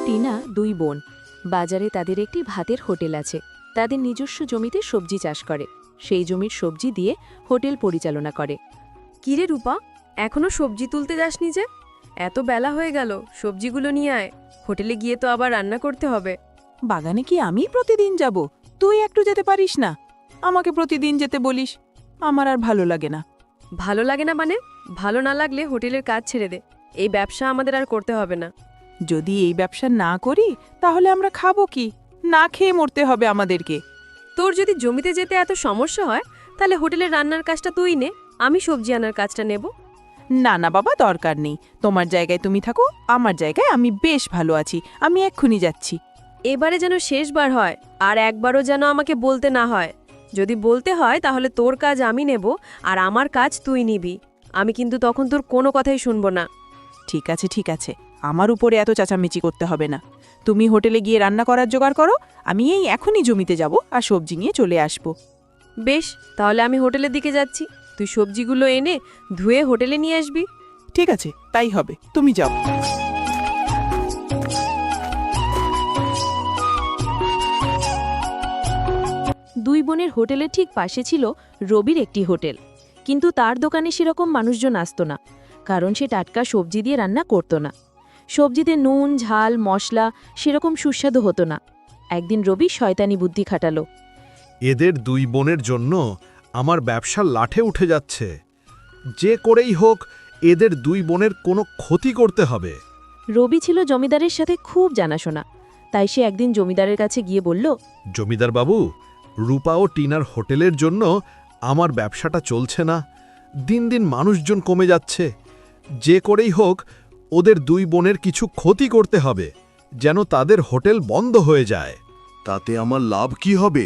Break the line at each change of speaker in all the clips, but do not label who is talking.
টিনা দুই বোন। বাজারে তাদের একটি ভাতের হোটেল আছে। তাদের নিজস্ব জমিতে সবজি চাষ করে, সেই জমির সবজি দিয়ে হোটেল পরিচালনা করে।
কিরে রূপা, এখনো সবজি তুলতে যাসনি যে? এত বেলা হয়ে গেল, সবজিগুলো নিয়ে আয়। হোটেলে গিয়ে তো আবার রান্না করতে হবে।
বাগানে কি আমি প্রতিদিন যাব? তুই একটু যেতে পারিস না? আমাকে প্রতিদিন যেতে বলিস, আমার আর ভালো লাগে না।
ভালো লাগে না মানে? ভালো না লাগলে হোটেলের কাজ ছেড়ে দে, এই ব্যবসা আমাদের আর করতে হবে না।
যদি এই ব্যবসা না করি তাহলে আমরা খাবো কি? না খেয়ে মরতে হবে আমাদেরকে।
তোর যদি জমিতে যেতে এত সমস্যা হয়, তাহলে হোটেলের রান্নার কাজটা তুই নে, আমি সবজি আনার কাজটা নেব।
না না বাবা, দরকার নেই। তোমার জায়গায় তুমি থাকো, আমার জায়গায় আমি বেশ ভালো আছি। আমি এক্ষুনি যাচ্ছি।
এবারে যেন শেষবার হয়, আর একবারও যেন আমাকে বলতে না হয়। যদি বলতে হয় তাহলে তোর কাজ আমি নেব, আর আমার কাজ তুই নিবি। আমি কিন্তু তখন তোর কোনো কথাই শুনবো না।
ঠিক আছে ঠিক আছে, আমার উপরে এত চেঁচামেচি করতে হবে না। তুমি হোটেলে গিয়ে রান্না করার জোগাড় করো, আমি এই এখনই জমিতে যাব আর সবজি নিয়ে চলে আসব।
বেশ, তাহলে আমি হোটেলের দিকে যাচ্ছি। তুই সবজিগুলো এনে ধুয়ে হোটেলে নিয়ে আসবি।
ঠিক আছে, তাই হবে, তুমি যাও।
দুই বোনের হোটেলের ঠিক পাশে ছিল রবির একটি হোটেল, কিন্তু তার দোকানে সেরকম মানুষজন আসতো না, কারণ সে টাটকা সবজি দিয়ে রান্না করত না। সবজিতে নুন ঝাল মশলা সেরকম সুস্বাদু হতো না। একদিন রবি শয়তানি বুদ্ধি খাটালো।
এদের দুই বোনের জন্য আমার ব্যবসা লাঠে উঠে যাচ্ছে। যে করেই হোক এদের দুই বোনের কোনো ক্ষতি করতে হবে।
রবি ছিল জমিদারের সাথে খুব জানাশোনা, তাই সে একদিন জমিদারের কাছে গিয়ে বলল,
জমিদার বাবু, রূপা ও টিনার হোটেলের জন্য আমার ব্যবসাটা চলছে না। দিন দিন মানুষজন কমে যাচ্ছে। যে করেই হোক ওদের দুই বোনের কিছু ক্ষতি করতে হবে, যেন তাদের হোটেল বন্ধ হয়ে যায়।
তাতে আমার লাভ কি হবে?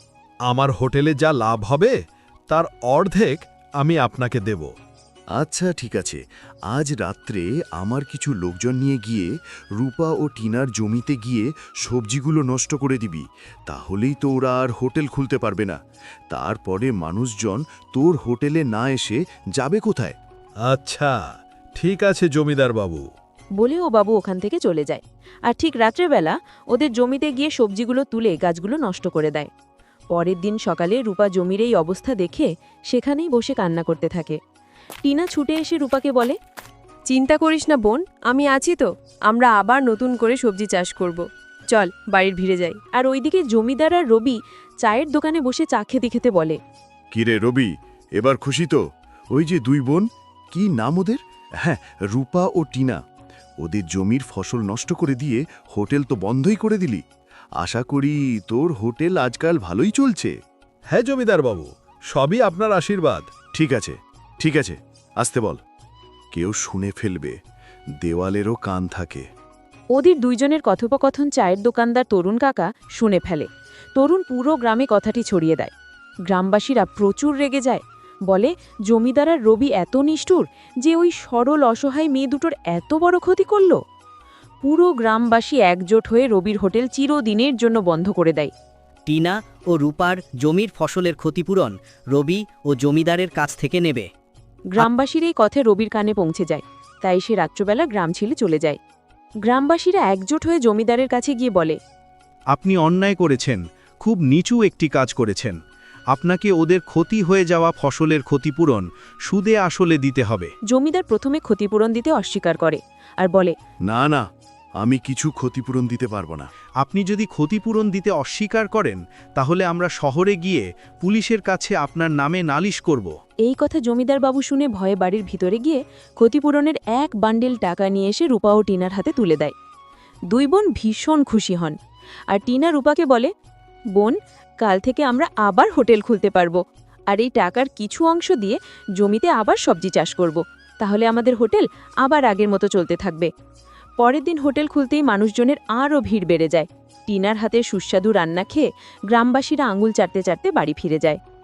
আমার হোটেলে যা লাভ হবে তার অর্ধেক আমি আপনাকে দেব।
আচ্ছা ঠিক আছে, আজ রাত্রে আমার কিছু লোকজন নিয়ে গিয়ে রূপা ও টিনার জমিতে গিয়ে সবজিগুলো নষ্ট করে দিবি। তাহলেই তো ওরা আর হোটেল খুলতে পারবে না। তারপরে মানুষজন তোর হোটেলে না এসে যাবে কোথায়?
আচ্ছা ঠিক আছে জমিদার বাবু।
বলে ও বাবু ওখান থেকে চলে যায়। আর ঠিক রাত্রেবেলা ওদের জমিতে গিয়ে সবজিগুলো তুলে গাছগুলো নষ্ট করে দেয়। পরের দিন সকালে রূপা জমির এই অবস্থা দেখে সেখানেই বসে কান্না করতে থাকে। টিনা ছুটে এসে রূপাকে বলে,
চিন্তা করিস না বোন, আমি আছি তো। আমরা আবার নতুন করে সবজি চাষ করব। চল বাড়ির ভিড়ে যাই।
আর ওইদিকে জমিদার আর রবি চায়ের দোকানে বসে চা খেতে খেতে বলে,
কিরে রবি, এবার খুশি তো? ওই যে দুই বোন, কি নাম ওদের? হ্যাঁ, রূপা ও টিনা। ওদের জমির ফসল নষ্ট করে দিয়ে হোটেল তো বন্ধই করে দিলি। আশা করি তোর হোটেল আজকাল ভালোই চলছে।
হ্যাঁ জমিদার বাবু, সবই আপনার আশীর্বাদ।
ঠিক আছে ঠিক আছে, আসতে বল। কেউ শুনে ফেলবে, দেওয়ালেরও কান থাকে।
ওদের দুইজনের কথোপকথন চায়ের দোকানদার তরুণ কাকা শুনে ফেলে। তরুণ পুরো গ্রামে কথাটি ছড়িয়ে দেয়। গ্রামবাসীরা প্রচুর রেগে যায়, বলে জমিদার আর রবি এত নিষ্ঠুর যে ওই সরল অসহায় মেয়ে দুটোর এত বড় ক্ষতি করল। পুরো গ্রামবাসী একজোট হয়ে রবির হোটেল চিরদিনের জন্য বন্ধ করে দেয়।
টিনা ও রূপার জমির ফসলের ক্ষতিপূরণ রবি ও জমিদারের কাছ থেকে নেবে।
গ্রামবাসীর এই কথা রবির কানে পৌঁছে যায়, তাই সে রাত্রবেলা গ্রাম ছেড়ে চলে যায়। গ্রামবাসীরা একজোট হয়ে জমিদারের কাছে গিয়ে বলে,
আপনি অন্যায় করেছেন, খুব নিচু একটি কাজ করেছেন। আপনাকে ওদের ক্ষতি হয়ে যাওয়া ফসলের ক্ষতিপূরণ সুদে আসলে দিতে হবে।
জমিদার প্রথমে ক্ষতিপূরণ দিতে অস্বীকার করে আর বলে,
না না, আমি কিছু ক্ষতিপূরণ দিতে পারবো না।
আপনি যদি ক্ষতিপূরণ দিতে অস্বীকার করেন তাহলে আমরা শহরে গিয়ে পুলিশের কাছে আপনার নামে নালিশ করব।
এই কথা জমিদার বাবু শুনে ভয়ে বাড়ির ভিতরে গিয়ে ক্ষতিপূরণের এক বান্ডেল টাকা নিয়ে এসে রূপা ও টিনার হাতে তুলে দেয়। দুই বোন ভীষণ খুশি হন। আর টিনা রূপাকে বলে, বোন, কাল থেকে আমরা আবার হোটেল খুলতে পারবো, আর এই টাকার কিছু অংশ দিয়ে জমিতে আবার সবজি চাষ করব। তাহলে আমাদের হোটেল আবার আগের মতো চলতে থাকবে। পরের দিন হোটেল খুলতেই মানুষজনের আরও ভিড় বেড়ে যায়। টিনার হাতে সুস্বাদু রান্না খেয়ে গ্রামবাসীরা আঙুল চাটতে চাটতে বাড়ি ফিরে যায়।